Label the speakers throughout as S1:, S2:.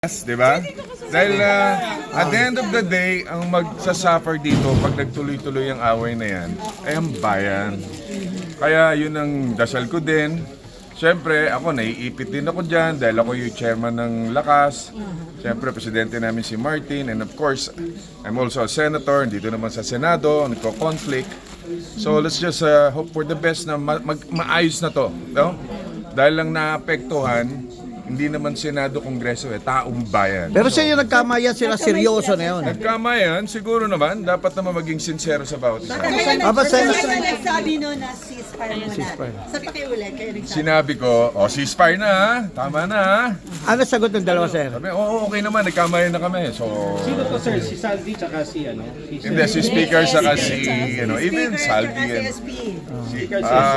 S1: Di ba? Dahil at the end of the day, ang magsasuffer dito pag nagtuloy-tuloy ang away na yan, ay ang bayan. Kaya yun ang dasal ko din. Siyempre, ako naiipit din ako dyan dahil ako yung chairman ng Lakas. Siyempre, presidente namin si Martin. And of course, I'm also a senator. Dito naman sa Senado, nagko-conflict. So let's just hope for the best na maayos na to. No? Dahil lang naapektuhan, hindi naman Senado, Kongreso, taong bayan.
S2: Pero sa iyo nagkamayan sila, seryoso na yun.
S1: Nagkamayan, siguro naman, dapat naman maging sincero sa bawat isa.
S3: Kaya nagsabi no na ceasefire muna. Sa pakiulit, kayo nagsabi.
S1: Sinabi ko, ceasefire na ha, tama na ha.
S2: Ano sagot ng dalawa, sir?
S1: Sabi, okay naman, nagkamayan na kami. So,
S4: Sino to, sir? Si Saldi tsaka si ano?
S1: hindi, si Speaker saka si, even Saldi.
S4: Speaker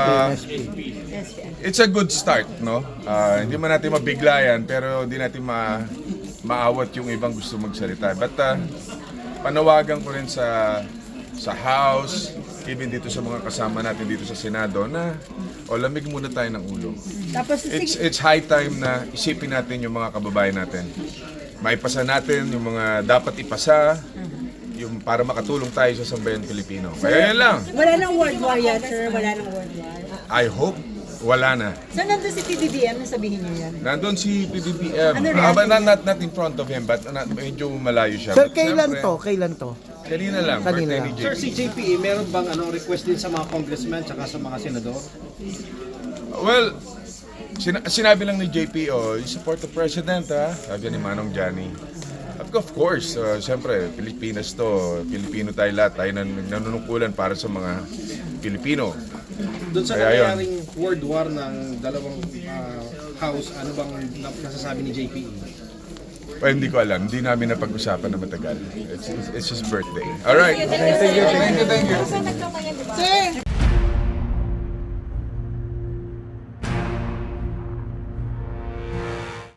S1: It's a good start, no? Hindi man natin mabiglayan, pero hindi natin maawat yung ibang gusto magsalita. But panawagan ko rin sa House, even dito sa mga kasama natin dito sa Senado, na lamig muna tayo ng ulo.
S3: Tapos,
S1: It's high time na isipin natin yung mga kababayan natin. Maipasa natin yung mga dapat ipasa, yung para makatulong tayo sa sambayan Pilipino. Kaya yan lang.
S3: wala nang world war yan, sir. Wala nang world war.
S1: I hope wala na.
S3: So, nandun si PBBM, nasabihin niyo yan.
S1: Nandun si PBBM.
S3: Ano reaction
S1: Not in front of him, but medyo malayo siya.
S2: Sir,
S1: But
S2: kailan
S1: syempre,
S2: to? Kailan to?
S1: Kanina lang.
S2: Kanina
S1: Birthday ni
S2: lang.
S4: Sir,
S1: JP.
S4: si JPE, meron bang request din sa mga congressmen tsaka sa mga senador?
S1: Well, sinabi lang ni JP, you support the president, ha? Sabi ni Manong Johnny. Of course, siyempre, Pilipinas to. Pilipino tayo lahat. Tayo nanunungkulan para sa mga Pilipino.
S4: Doon sa
S1: Kaya yun.
S4: nangyayaring world war ng dalawang house, ano bang nasasabi ni JPE?
S1: Hindi ko alam. Hindi namin napag-usapan na matagal. It's his birthday. Alright. Thank you.
S3: Sir,